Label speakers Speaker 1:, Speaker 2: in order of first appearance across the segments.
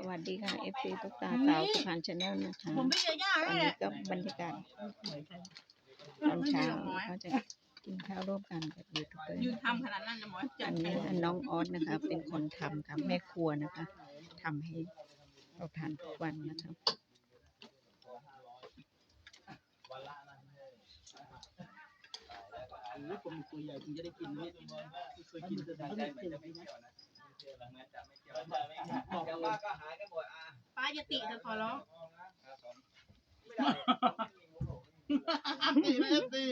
Speaker 1: วัสดีค่ะ FC ตุ๊กตาสาวสุพรรณชาแนลนะคะ
Speaker 2: ผมไม่เจอย่า
Speaker 1: ตอน
Speaker 2: เลย
Speaker 1: นี้ก็บรรยากาศตอนเช้าเขาจะกินข้าวร่วมกันกับยูทูบเบอร์
Speaker 2: ยืนทำขนาดนั้นจะหมอจั
Speaker 1: อั
Speaker 2: ด
Speaker 1: นนี้น้องออสนะคะ เป็นคนทำค่ะแม่ครัวนะคะทำให้เราทานทุกวันนะคะ
Speaker 3: ผมตัวใหญ่ผมจะได้กินเนี่ยเคยกินแต่ได้ไม่ถึงนะบอกว่าก็หายกันหมดอ่ะ
Speaker 2: ป้าจะติเธอขอร้องตีไม่ตี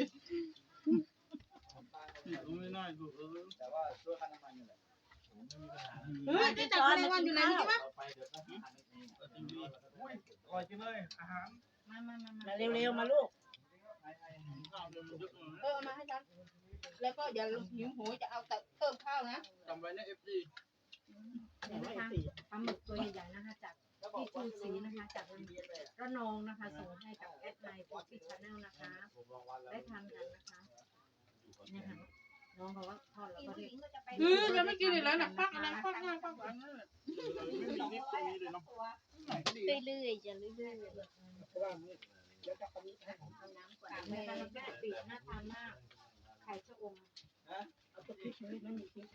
Speaker 2: ไม่น่าดู
Speaker 3: แต่ว่าด้วยค่าน้ำมันนี่แหละ
Speaker 2: เฮ้ยจะจับอะไรวันอยู่ไหนรู้ไหม
Speaker 3: อร่อยจริงเลยอาหาร
Speaker 2: มาเร็วๆมาลูกมาให้ฉันแล้วก็อย่าหิวโหยจะเอาแต่เพิ่มข้าวนะ
Speaker 3: จำไว้นะ FD
Speaker 4: นะคะปลาหมึกตัวใหญ่ๆนะคะจากที่ชูศรีนะคะจากระนองนะคะส่งให้กับแอดไลน์ของพี่ชาแนลนะคะได้ทานกันนะคะเนี่ยค่ะน้องเขาว่าทอดแล้วก็เรียก
Speaker 2: ยังไม่กินเลยแล้วนะปักอะไรปักหน้าปักหลังนั่นแหละ
Speaker 4: เรื่อยๆจะเรื่อยๆเอาน้ำก่อนแม่แม่ปีน่าทานมากไข่ชะอมเอาตัวพริกไม่มีพริก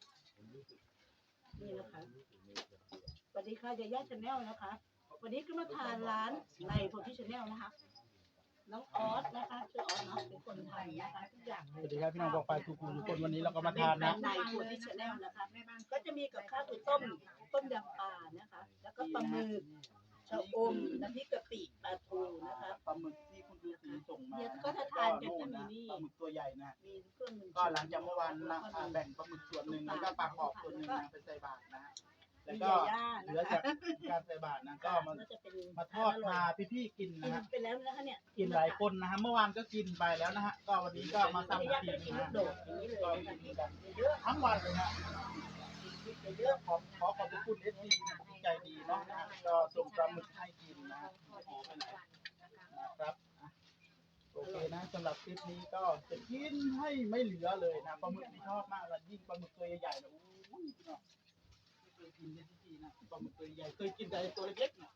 Speaker 4: นี่นะคะสวัสดีค่ะยาย่าชาแนลนะคะวันนี้ก็มาทานร้านในโพธิชาแนลนะคะน้องออสนะคะชื่อออสเนาะเป็นคนไทยนะคะทุกอย่าง
Speaker 3: สวัสดีครับพี่น้องบอกไปทุกคนวันนี้เราก็มาทานนะ
Speaker 4: ในโพธิชาแนลนะคะก็จะมีกับข้าวคือต้มยำปลานะคะแล้วก็ปลาหมึกชะอมน้ำพริกกะปิปลาทูนะคะ
Speaker 3: ปลาหมึกที่คุณดูสีส่งมา
Speaker 4: เดี๋ยวก็จะทานกันก็มีนี่
Speaker 3: ปลาหมึกตัวใหญ่นะ
Speaker 4: มีเครื่องมือ
Speaker 3: ก็หลังจากเมื่อวานนะแบ่งปลาหมึกส่วนหนึ่งแล้วก็ปลาขอบส่วนหนึ่งนะเป็นใส่บาตรนะแล้วก็เหลือจากการใส่บาตรนะก็มาทอดพาพี่ๆกินนะฮะ
Speaker 4: ไปแล้วนะคะเนี่ย
Speaker 3: กินหลายคนนะฮะเมื่อวานก็กินไปแล้วนะฮะก็วันนี้ก็มา
Speaker 4: ยา
Speaker 3: ทำ
Speaker 4: ย่า
Speaker 3: กิ
Speaker 4: ก็
Speaker 3: น
Speaker 4: กิน
Speaker 3: นะ
Speaker 4: ลู
Speaker 3: ฮะ
Speaker 4: กโดดอย่างนี้เลย
Speaker 3: ก็กินกันเยอะทั้งวันเลยฮะเยอะขอบคุณเอสซีใจดีเนาะนะก็ส่งปลาหมึกให้กินนะนะครับโอเคนะสำหรับคลิปนี้ก็จะกินให้ไม่เหลือเลยนะปลาหมึกที่ชอบมากเลยยิ่งปลาหมึกตัวใหญ่ๆนะอุ้ยเนาะไม่เคยกินเลยที่นะปลาหมึกตัวใหญ่เคยกินแต่ตัวเล็กๆนะ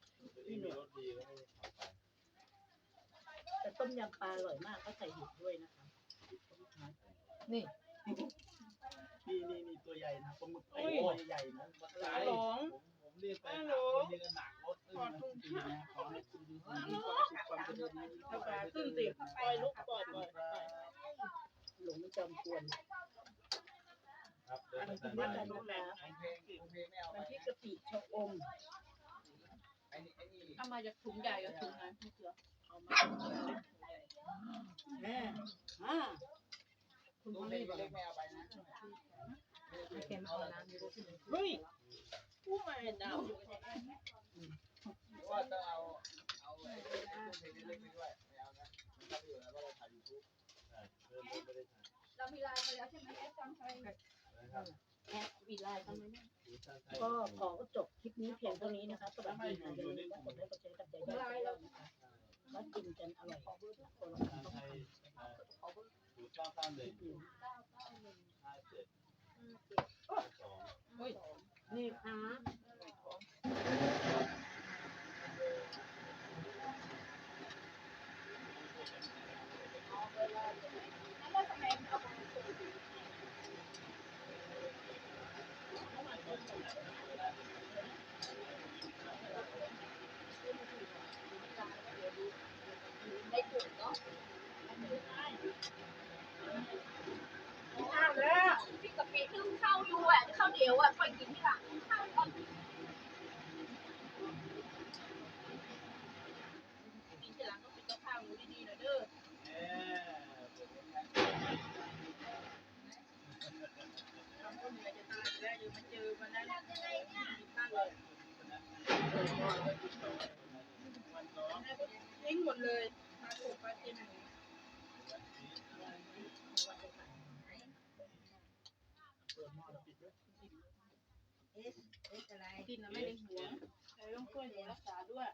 Speaker 4: แต่ต้มยำปลาอร่อยมากก็ใส่เห็ดด้วยนะคะนี่
Speaker 3: นี่ตัวใหญ่นะปลาหมึกตัวใหญ่นะ
Speaker 2: หลง
Speaker 3: ผมเรียกไปคนนี้ก็หนักรถนะขอให้คุณดูมีความสุขความเจริญนี้
Speaker 2: ขึ้นติปล่อยลูกปล่อย
Speaker 4: หลงจอมกวนอันนี้เป็นการดูแลมันที่กะปิชะอม
Speaker 2: เอามาจากถุงใหญ่กับถุงไหนพี่เสือเอามา
Speaker 4: แม่คุณพ่อ
Speaker 3: เล็
Speaker 4: ไม่
Speaker 3: ก
Speaker 4: บอก
Speaker 3: ไม่เอาไปนะ
Speaker 4: เค็มเอาน้ำดูสิ
Speaker 2: เฮ้ยผู้ใหม่ดาว
Speaker 3: ว่าจะเอาเพลงเล็กไปด้วยไม่เอานะมันก็อยู่แล้วว่าเราถ่ายยูทูบ
Speaker 2: เรามีไลน์ไปแล้วใช่ไหมแอดจำใคร
Speaker 4: แอดวีไลน์ทำไมเนี่ยก็ขอจบคลิปนี้เพียงเท่านี้นะคะสวัสดีค่ะอย่าลืมกดไลค์กดแชร์กับใจด้วยนะคะแล้วกินกันอร่อยคนละคำต้องนี่ค่ะข้าวแล้วพี่กับพี่นึ่งข้าวอยู่อ่ะข้าวเดียวอ่ะค่อยกินที่หลังข้าวก่อนกินทีหลังก็กินกับข้าวอยู่ดีๆนะเด้อทำคนเหนื่อยจะตายแล้วอยู่มาเจอมันนั้นตั้งเลยทิ้งหมดเลยมาถูกมาเต็มกินแล้วไม่ได้หวงแต่ต้องช่วยเหลือรักษาด้วย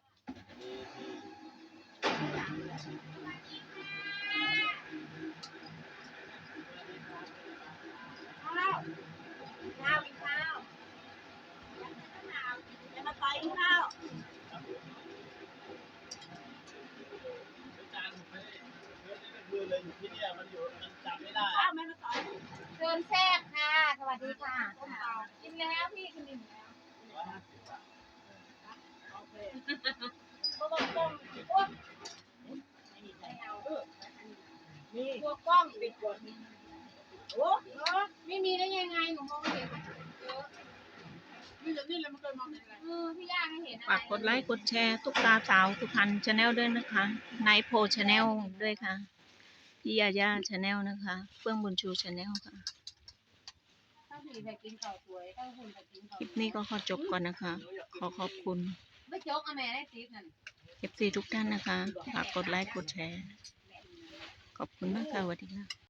Speaker 4: ข้าวกินข้าวแล้วมา
Speaker 2: นี่เลยมันเคยมองเห็นอะไร
Speaker 4: พี่ย่าไม่เห็น
Speaker 1: ฝากกดไลค์กดแชร์ตุ๊กตาสาวสุพรรณชาแนลด้วยนะคะนายโพชาแนลด้วยค่ะพี่ยาย่าชาแนลนะคะเฟื่องบุญชูชาแนลค่ะ
Speaker 4: ถ้าผีไปกินข้าวสวยถ้าคุณไปกินข้าว
Speaker 1: คลิปนี้ก็ขอจบก่อนนะคะ ขอขอบคุณ
Speaker 4: ไม่จกอะแม่ได้ติ๊บนั่น
Speaker 1: FC ทุกท่านนะคะ ฝากกดไลค์กดแชร์ ขอบคุณมากค่ะสวัสดีค่ะ